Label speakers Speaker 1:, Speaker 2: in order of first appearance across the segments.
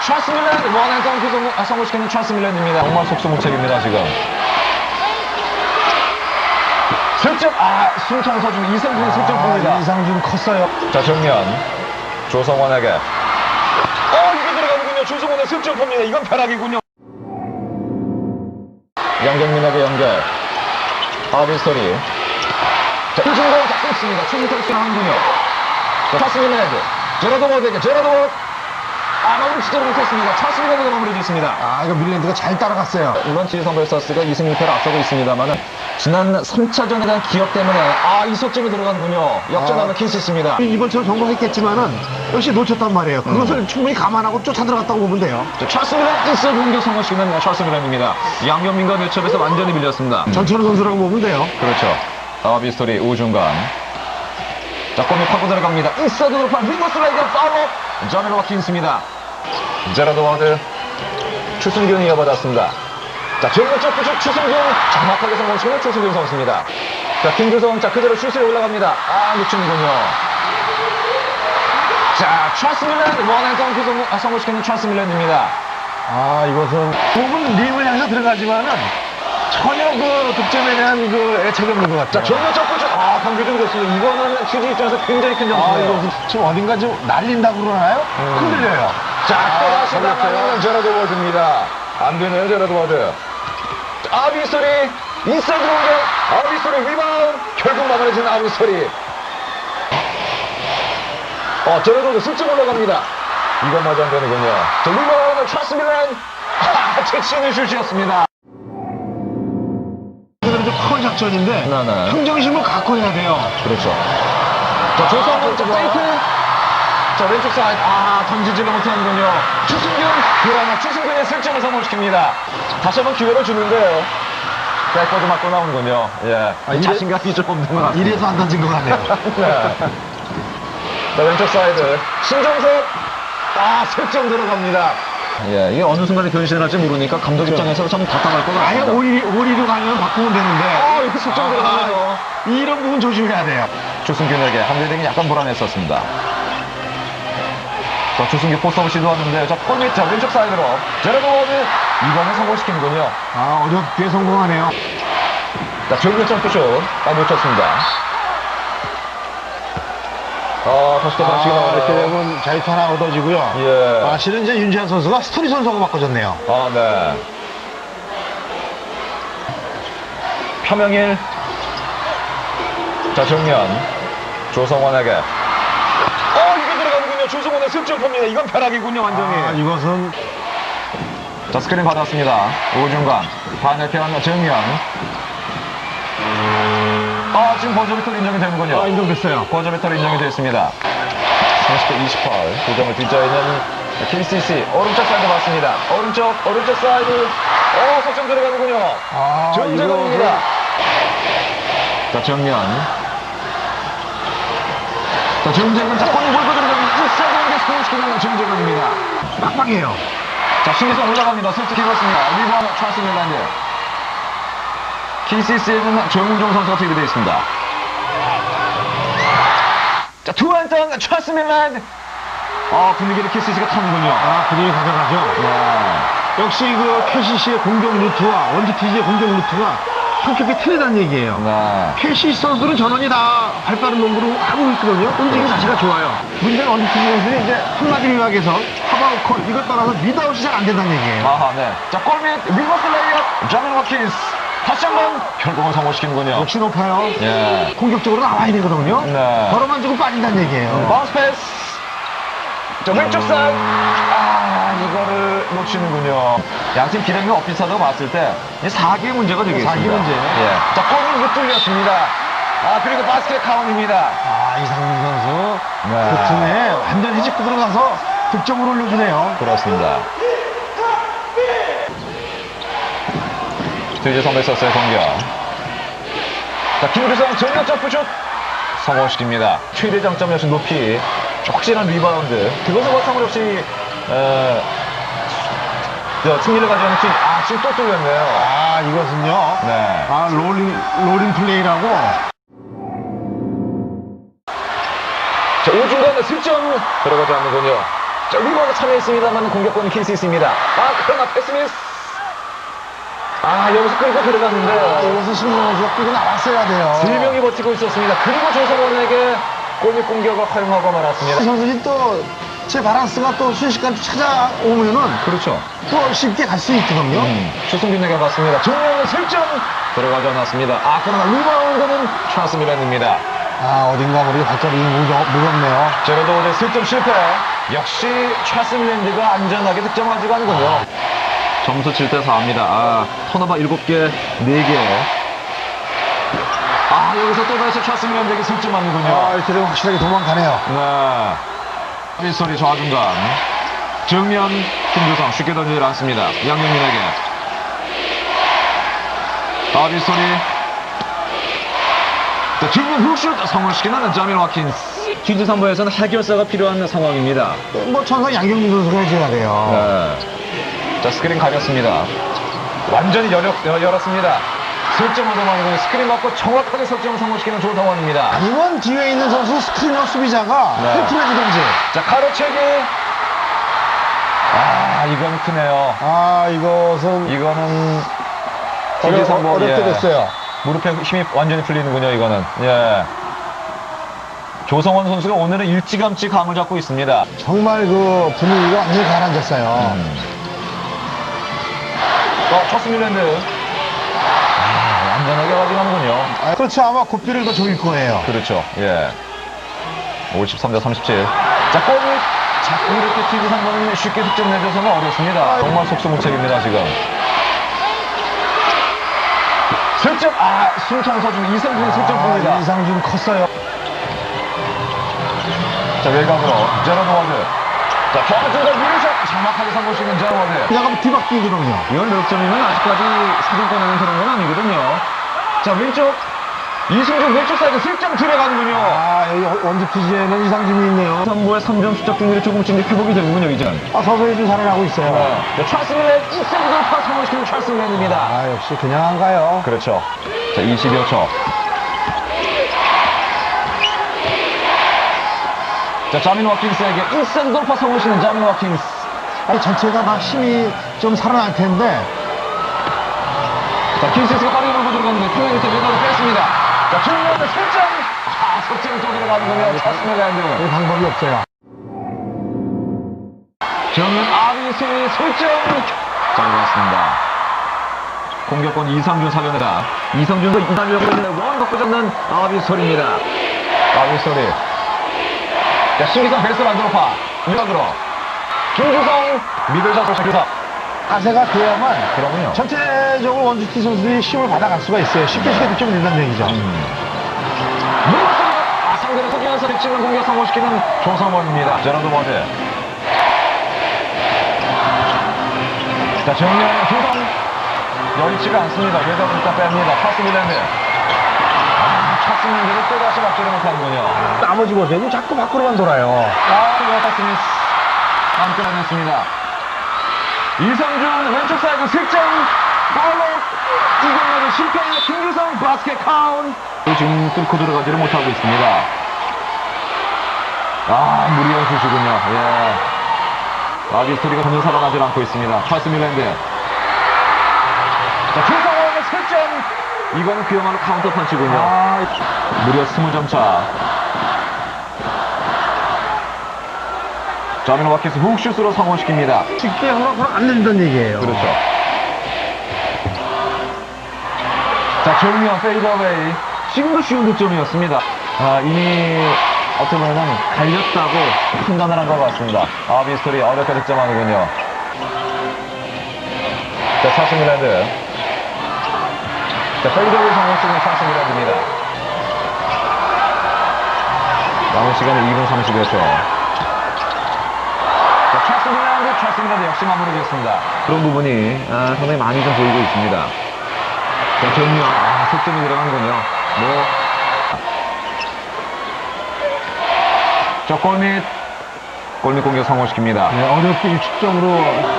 Speaker 1: 찰스 밀랜 원앤덩크 성공시키는 찰스 밀랜입니다. 정말 속수무책입니다 지금. 슬점 숨통 서준 이상준 슬점 봅니다.
Speaker 2: 이상준 컸어요.
Speaker 1: 자 정면 조성원에게 이게 들어가는군요. 조성원의 슬점 봅니다. 이건 벼락이군요. 양경민에게 연결. 아비스토리. 자, 이중공 끊습니다. 충분히 수행하는군요. 자, 찰스 밀랜드. 제라드 워드에게 제라드 워드. 마무리 시도를 못했습니다. 찰스 밀랜드가 마무리 짓습니다.
Speaker 2: 이거 밀랜드가 잘 따라갔어요.
Speaker 1: 이번 지리 선벨서스가 2승 1패를 앞서고 있습니다만은 지난 3차전에 대한 기억 때문에 이석점이 들어가는군요. 역전하는 킨시스입니다.
Speaker 2: 이번처럼 성공했겠지만은 역시 놓쳤단 말이에요. 그것을 충분히 감안하고 쫓아 들어갔다고 보면 돼요.
Speaker 1: 자, 찰스 밀랜 인스 공격 성공시키는 찰스 밀랜입니다. 양경민과 매첩에서 완전히 밀렸습니다.
Speaker 2: 전천후 선수라고 보면 돼요.
Speaker 1: 그렇죠. 아비스토리 우중간. 자, 골밑 파고 들어갑니다. 인사이드 돌파 링거스 라이더 파워 저메로 와킨스입니다. 제라드 워드 추승균이 이어받았습니다. 자, 정면적 부축 추승균 정확하게 성공시키는 추승균 선수입니다. 자, 김주성 자 그대로 슛에 올라갑니다. 놓치는군요. 자, 찰스 밀랜 원앤덩크 성공시키는 찰스 밀랜입니다.
Speaker 2: 이것은 몸은 림을 향해서 들어가지만은 전혀 그 득점에 대한 그 애착이 없는 것 같아요.
Speaker 1: 자, 정면적 부축 강규준 좋습니다. 이거는 휴지 입장에서 굉장히 큰 점수예요.
Speaker 2: 이거 지금 어딘가 좀 날린다고 그러나요? 흔들려요.
Speaker 1: 자, 또다시
Speaker 2: 걸렸어요.
Speaker 1: 나가는 제라드 워드입니다. 안 되네요, 제라드 워드. 아비스토리, 인사이드 공격, 아비스토리 리바운드, 결국 마무리진 아비스토리. 제라드 워드 슬쩍 올라갑니다. 이것마저 안 되는군요. 자, 리바운드, 찰스 밀랜. 재치있는 슛이었습니다.
Speaker 2: 이거는 좀 큰 작전인데
Speaker 1: 네네.
Speaker 2: 평정심을 갖고 해야 돼요.
Speaker 1: 그렇죠. 자, 조성훈, 자, 페이크. 자, 왼쪽 사이드. 던지지를 못하는군요. 추승균. 그러나 추승균의 슬점을 성공시킵니다. 다시 한번 기회를 주는데요. 백보드 맞고 나오는군요. 예. 자신감이 좀 없는 것 같아요.
Speaker 2: 이래서 안 던진 것 같네요.
Speaker 1: 네. 자, 왼쪽 사이드. 신정석. 슬점 들어갑니다. 예, 이게 어느 순간에 변신을 할지 모르니까 감독 입장에서 참 답답할 것
Speaker 2: 아예
Speaker 1: 같습니다.
Speaker 2: 오리로 가면 바꾸면 되는데.
Speaker 1: 이렇게 슬점 들어가면서.
Speaker 2: 이런 부분 조심해야 돼요.
Speaker 1: 추승균에게 함대등이 약간 불안했었습니다. 자, 추승균 포스트업 시도하는데, 자, 골밑, 자, 왼쪽 사이드로. 제라드 워드, 이번에 성공시키는군요.
Speaker 2: 어렵게 성공하네요.
Speaker 1: 자, 정면 점프슛. 놓쳤습니다. 다시 또 반칙이
Speaker 2: 이렇게
Speaker 1: 나오네요.
Speaker 2: 되면 자유투 하나 얻어지고요.
Speaker 1: 예.
Speaker 2: 실은 이제 윤지한 선수가 스토리 선수하고 바꿔줬네요.
Speaker 1: 네. 표명일. 자, 정면. 조성원에게. 이게 들어가는군요. 조성원의 슬점입니다. 이건 벼락이군요, 완전히.
Speaker 2: 이것은
Speaker 1: 자, 스크린 받았습니다. 오중간. 반대편 정면. 지금 버저 배틀 인정이 되는군요.
Speaker 2: 인정됐어요.
Speaker 1: 버저 배틀 인정이 됐습니다. 30대 28. 2점을 뒷자에 있는 KCC. 오른쪽 사이드 봤습니다. 오른쪽 사이드. 석점 들어가는군요. 정재건입니다. 자, 정면. 자, 정재건. 자, 골 몰고 들어가면 인사이드 스코어시키는 정재건입니다.
Speaker 2: 빡빡해요.
Speaker 1: 자, 신기성 올라갑니다. 슬쩍 입었습니다. 리바운드 찰스 밀랜드. KCC에는 정웅종 선수가 투입되어 있습니다. 자, 투앤턴 찰스 밀랜드. 분위기를 KCC가 타는군요.
Speaker 2: 분위기 가져가죠.
Speaker 1: 네.
Speaker 2: 역시 그 KCC의 공격 루트와 원주티지의 공격 루트가 성격이 틀리다는 얘기예요.
Speaker 1: 네.
Speaker 2: KCC 선수들은 전원이 다 발빠른 농구를 하고 있거든요. 움직임 자체가 좋아요. 문제는 원주티지 선수는 이제 한마디 미학에서 하바우콜 이것 따라서 미드아웃이 잘 안 된다는 얘기예요.
Speaker 1: 네. 자, 골밑 리버스 레이업 자멜 워킨스. 다시 한번 결국은 성공시키는군요.
Speaker 2: 역시 높아요.
Speaker 1: 예.
Speaker 2: 공격적으로 나와야 되거든요.
Speaker 1: 네.
Speaker 2: 걸어만 주고 빠진다는 얘기예요.
Speaker 1: 바운스 패스. 자, 왼쪽 사이드. 이거를 놓치는군요. 양팀 기량이 엇비슷하다고 봤을 때, 이 4기의 문제가 되겠습니다.
Speaker 2: 4기 문제.
Speaker 1: 예. 자, 골은 못 뚫렸습니다. 그리고 바스켓 카운입니다.
Speaker 2: 이상민 선수.
Speaker 1: 네.
Speaker 2: 그 틈에 완전 해집고 들어가서 득점을 올려주네요.
Speaker 1: 그렇습니다. 이제 선배서스의 공격. 자, 김주성 전력 점프슛 성공시킵니다. 최대 장점 역시 높이 확실한 리바운드. 그것을 바탕으로 역시 승리를 가져가는 팀. 지금 또 뚫렸네요.
Speaker 2: 이것은요.
Speaker 1: 네.
Speaker 2: 롤링 플레이라고.
Speaker 1: 자, 오중간에 슬점 들어가지 않는군요. 자, 리버가 참여했습니다만 공격권은 킨스미스입니다. 그러나 패스미스. 여기서 끌고 들어갔는데요.
Speaker 2: 이것은 신동 선수가 끌고 나왔어야 돼요.
Speaker 1: 3명이 버티고 있었습니다. 그리고 조성원에게 골밑 공격을 허용하고 말았습니다.
Speaker 2: 선수들이 또 제 바란스가 또 순식간에 찾아오면은
Speaker 1: 그렇죠.
Speaker 2: 또 쉽게 갈 수 있거든요.
Speaker 1: 추승균에게 갔습니다. 정면은 슬점 들어가지 않았습니다. 그러나 리바운드는 찰스 밀랜드입니다.
Speaker 2: 어딘가 모르게 발걸음이 무겁네요.
Speaker 1: 제로드 오드 슬점 실패. 역시 찰스 밀랜드가 안전하게 득점하지가 않군요. 점수 7대 4입니다. 턴오버 7개, 4개. 여기서 또 다시 찰스 밀랜드에게 슬점 맞는군요.
Speaker 2: 이렇게 되면 확실하게 도망가네요.
Speaker 1: 네. 빗소리 좌중간. 정면 김주성 쉽게 던지지 않습니다. 양경민에게. 빗소리. 정면 훅슛 성공시키는 자밀 와킨스. 퀴즈 3부에서는 해결사가 필요한 상황입니다.
Speaker 2: 천상 양경민 선수가 해줘야 돼요.
Speaker 1: 네. 자, 스크린 가렸습니다. 완전히 열었습니다. 설정 얻어맞고 스크린 맞고 정확하게 설정을 성공시키는 조성원입니다.
Speaker 2: 이번 뒤에 있는 선수 스크린업 수비자가
Speaker 1: 네.
Speaker 2: 헬프해주던지.
Speaker 1: 자, 가로채기. 이건 크네요.
Speaker 2: 이거는
Speaker 1: TG3번,
Speaker 2: 어렵게 됐어요.
Speaker 1: 무릎에 힘이 완전히 풀리는군요, 이거는. 예. 조성원 선수가 오늘은 일찌감치 감을 잡고 있습니다.
Speaker 2: 정말 그 분위기가 완전히 가라앉았어요.
Speaker 1: 찰스 밀랜드. 안전하게 가져가는군요.
Speaker 2: 그렇죠. 아마 고삐를 더 조일 거예요.
Speaker 1: 그렇죠. 예. 53대 37. 자, 골이 자꾸 이렇게 퀴즈 3번은 쉽게 득점 내줘서는 어렵습니다. 정말 속수무책입니다, 지금. 슬점, 숨창 서준 이성준 슬점입니다.
Speaker 2: 이상준 컸어요.
Speaker 1: 자, 외곽으로 제로드 워드. 자, 좌중간 미르샷 정확하게 성공시키는 제로드 워드.
Speaker 2: 그냥 뒤바뀌거든요.
Speaker 1: 이건 몇 점이면 아직까지 사정권에는 그런 건 아니거든요. 자, 왼쪽 이승준 왼쪽 사이드 슬점 들어가는군요.
Speaker 2: 여기 원주피지에는 이상준이 있네요.
Speaker 1: 3부의 3점 수적 중률이 조금씩 회복이 되는군요, 이제.
Speaker 2: 서서히 좀 살아나고 있어요.
Speaker 1: 자, 찰스 밀랜드 이승준 돌파 성공시키는 찰스 밀랜드입니다.
Speaker 2: 역시 그냥 안 가요.
Speaker 1: 그렇죠. 자, 20여 초. 자, 자민 와킨스에게 인사이드 돌파 성공시키는 자민 와킨스.
Speaker 2: 전체가 다 힘이 좀 살아날 텐데.
Speaker 1: 자, 킨스가 빠르게 몰고 들어가는데 표현이 때 외곽을 뺐습니다. 자, 중요한데 설정. 설정이 또 들어가는군요. 찰스 밀랜드.
Speaker 2: 방법이 없어요.
Speaker 1: 정면 아비소의 설정. 잘 봤습니다. 공격권 이상준 살려내다. 이성준도 이상준을 걸리는 원 갖고 잡는 아비소리입니다. 아비소리. 자, 신기성 베스트 만들어파. 유학으로. 김주성 미들샷 교사.
Speaker 2: 자세가 돼야만
Speaker 1: 그러군요.
Speaker 2: 전체적으로 원주티 선수들이 힘을 받아갈 수가 있어요. 쉽게 득점을 낸다는 얘기죠.
Speaker 1: 상대를 속이면서 빗치는 공격 성공시키는 조성원입니다. 제로드 워드. 자, 정면 주성 여의치가 않습니다. 외곽을 일단 뺍니다. 찰스 밀랜드. 찰스 밀랜드를 또다시 막지를 못하는군요.
Speaker 2: 나머지 보세요. 자꾸 밖으로만 돌아요.
Speaker 1: 워터 스미스 안 끌어냈습니다. 이성준 왼쪽 사이드 슬점 팔로 이경락의 실패. 김규성 바스켓 카운트. 지금 뚫고 들어가지를 못하고 있습니다. 무리한 슛이군요. 예. 아비스토리가 전혀 살아나질 않고 있습니다. 찰스 밀랜드. 자, 조성원의 슬점. 이거는 그야말로 카운터 펀치군요. 무려 20점 차. 자민 와킨스 훅슛으로 성공시킵니다.
Speaker 2: 쉽게 허락을 안 내준다는 얘기예요.
Speaker 1: 그렇죠. 자, 정면 페이더웨이. 지금도 쉬운 득점이었습니다. 이미 어떻게 보면 갈렸다고 판단을 한 것 같습니다. 아비스토리 어렵게 득점하는군요. 자, 찰스 밀랜드. 자, 페이더웨이 성공시키는 찰스 밀랜드입니다. 남은 시간은 2분 30여 초. 찰스 밀랜드 역시 마무리됐습니다. 그런 부분이 상당히 많이 좀 보이고 있습니다. 자, 정면 속점이 들어간군요. 저 골밑 공격 성공시킵니다.
Speaker 2: 네, 어렵게 일축적으로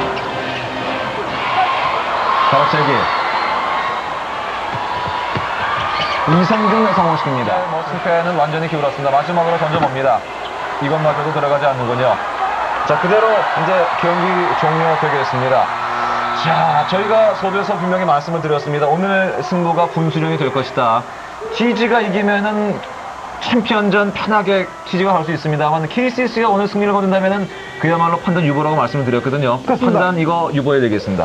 Speaker 1: 가로채기 이성준 성공시킵니다. 실패는 완전히 기울었습니다. 마지막으로 던져봅니다. 이것마저도 들어가지 않는군요. 자, 그대로 이제 경기 종료되겠습니다. 자, 저희가 소비에서 분명히 말씀을 드렸습니다. 오늘 승부가 분수령이 될 것이다. TG가 이기면은 챔피언전 편하게 TG가 갈 수 있습니다만 KCC가 오늘 승리를 거둔다면은 그야말로 판단 유보라고 말씀을 드렸거든요.
Speaker 2: 그렇습니다.
Speaker 1: 판단 이거 유보해야 되겠습니다.